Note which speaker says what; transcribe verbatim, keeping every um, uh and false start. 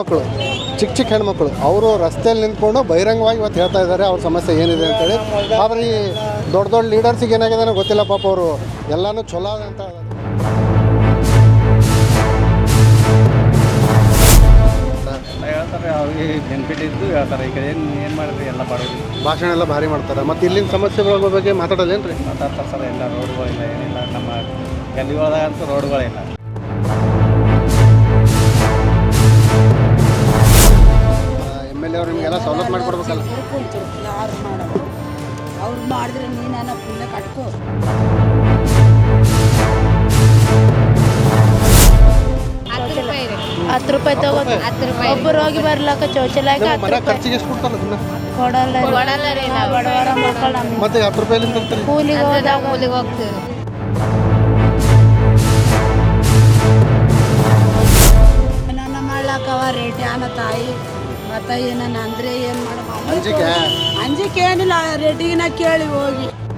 Speaker 1: ಮಕ್ಕಳು ಚಿಕ್ಕ ಚಿಕ್ಕ ಹೆಣ್ಮಕ್ಳು ಅವರು ರಸ್ತೆಯಲ್ಲಿ ನಿಂತ್ಕೊಂಡು ಬಹಿರಂಗವಾಗಿ ಇವತ್ತು ಹೇಳ್ತಾ ಇದ್ದಾರೆ ಅವ್ರ ಸಮಸ್ಯೆ ಏನಿದೆ ಅಂತೇಳಿ. ಆದರೆ ಈ ದೊಡ್ಡ ದೊಡ್ಡ ಲೀಡರ್ಸಿಗೆ ಏನಾಗಿದೆ ಗೊತ್ತಿಲ್ಲ ಪಾಪ, ಅವರು ಎಲ್ಲನೂ ಚಲೋ ಅಂತ
Speaker 2: ಹೇಳ್ತಾರೆ. ಅವ್ರಿಗೆ ಬೆನಿಫಿಟ್ ಇದ್ದು ಹೇಳ್ತಾರೆ. ಈಗ ಏನು ಏನು ಮಾಡಿದ್ರಿ ಎಲ್ಲ ಬಡವರು
Speaker 1: ಭಾಷಣ ಎಲ್ಲ ಭಾರಿ ಮಾಡ್ತಾರೆ. ಮತ್ತು ಇಲ್ಲಿನ ಸಮಸ್ಯೆಗಳ ಬಗ್ಗೆ ಮಾತಾಡೋಲ್ಲೇನು ರೀ?
Speaker 2: ಮಾತಾಡ್ತಾರೆ ಸರ್. ಎಲ್ಲ ರೋಡ್ಗಳಿಲ್ಲ, ಏನಿಲ್ಲ. ನಮ್ಮ ಗಲ್ಲಿಗಳಾಗಂತೂ ರೋಡ್ಗಳಿಲ್ಲ.
Speaker 1: ಎಮ್ ಎಲ್ ಎ ಅವ್ರು ನಿಮಗೆಲ್ಲ ಸವಲತ್ತು ಮಾಡಿಕೊಡ್ಬೇಕಲ್ಲ.
Speaker 3: ಯಾರು ಮಾಡೋದು? ಅವ್ರು ಮಾಡಿದ್ರೆ ನೀನು ಪುಣ್ಯ ಕಟ್ಕೋ.
Speaker 4: ಹತ್ತು ರೂಪಾಯಿ ತಗೋದು. ಒಬ್ಬರು ಹೋಗಿ ಬರ್ಲಕ್ಕ ಶೌಚಾಲಯಕ್ಕೆ ಹತ್ತು ರೂಪಾಯಿ
Speaker 1: ಖರ್ಚಿಗೆ ಎಷ್ಟು ಕೊಡ್ತಾರೆ ಅದನ್ನ
Speaker 4: ಕೊಡಲ್ಲ. ಬಡವರ ಮಕ್ಕಳು
Speaker 1: ಮತ್ತೆ ಹತ್ತು ರೂಪಾಯಿ ತರ್ತಾರೆ.
Speaker 4: ಕೂಲಿಗೆ ಹೋದಾಗ ಕೂಲಿಗೆ ಹೋಗ್ತೀವಿ.
Speaker 3: ನನ್ನ ಮಾಡ್ಲಾಕವ ರೇಟ್ ಯಾನ ತಾಯಿ ಮತ್ತು ಏನನ್ನ ಅಂದರೆ ಏನು ಮಾಡೋ
Speaker 1: ಅಂಜಿಕೆ
Speaker 3: ಅಂಜಿಕೆ ಏನಿಲ್ಲ ರೇಟಿಗಿನ ಕೇಳಿ ಹೋಗಿ